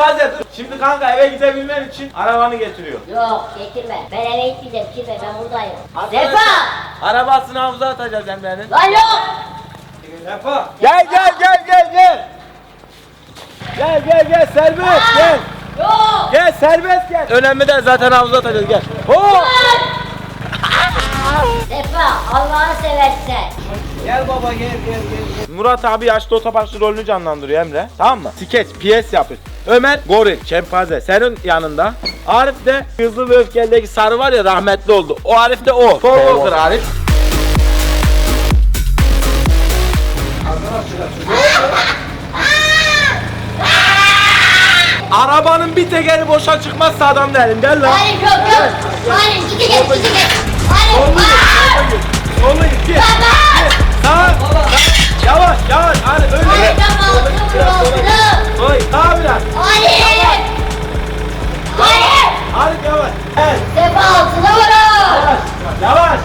Şempaze dur. Şimdi kanka eve gidebilmen için arabanı getiriyor. Yok getirme. Ben eve gitmeyeceğim kimse ben buradayım. Arkadaşlar, Sefa! arabasını havuza atacağız Emre'nin. Lan yok! Sefa. Gel. Gel serbest gel. Yok! Gel serbest gel. Önemli değil zaten havuza atacağız gel. Sefa Allah'ını seversen. Gel baba gel. Murat abi yaşlı otoparkçı rolünü canlandırıyor Emre. Tamam mı? Skeç, piyes yapıyor. Ömer goril, şempanze senin yanında. Arif de Hızlı ve Öfkeli'deki sarı var ya rahmetli oldu. O Arif de o. Paul Walker Arif. Arabanın bir tekeri boşa çıkmazsa adam değilim. Gel lan. Hayır yok. Hayır gidi git. Hayır. Solu iki. Baba! Sağ. Yavaş. Arif öyle. Hayır tamam. Oy sağ biraz. Hayır. Hayır. Arif yavaş. Evet. Sefa altına vurun. Yavaş.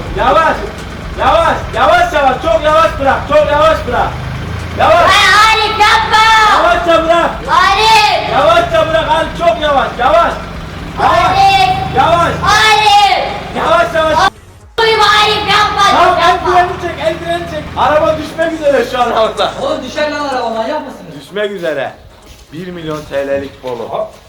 Çok yavaş bırak. Yavaş. Hayır yapma. Yavaşça bırak. Hayır. Yavaşça bırak Arif çok yavaş. Hayır. Yavaş. Hayır. Yavaş. Duyma hayır yapma. Tamam Yapma. eldiveni çek. Araba düşmek üzere şu an havada. Oğlum düşer lan araba manyak mısınız? Düşmek üzere. 1 milyon TL'lik polo.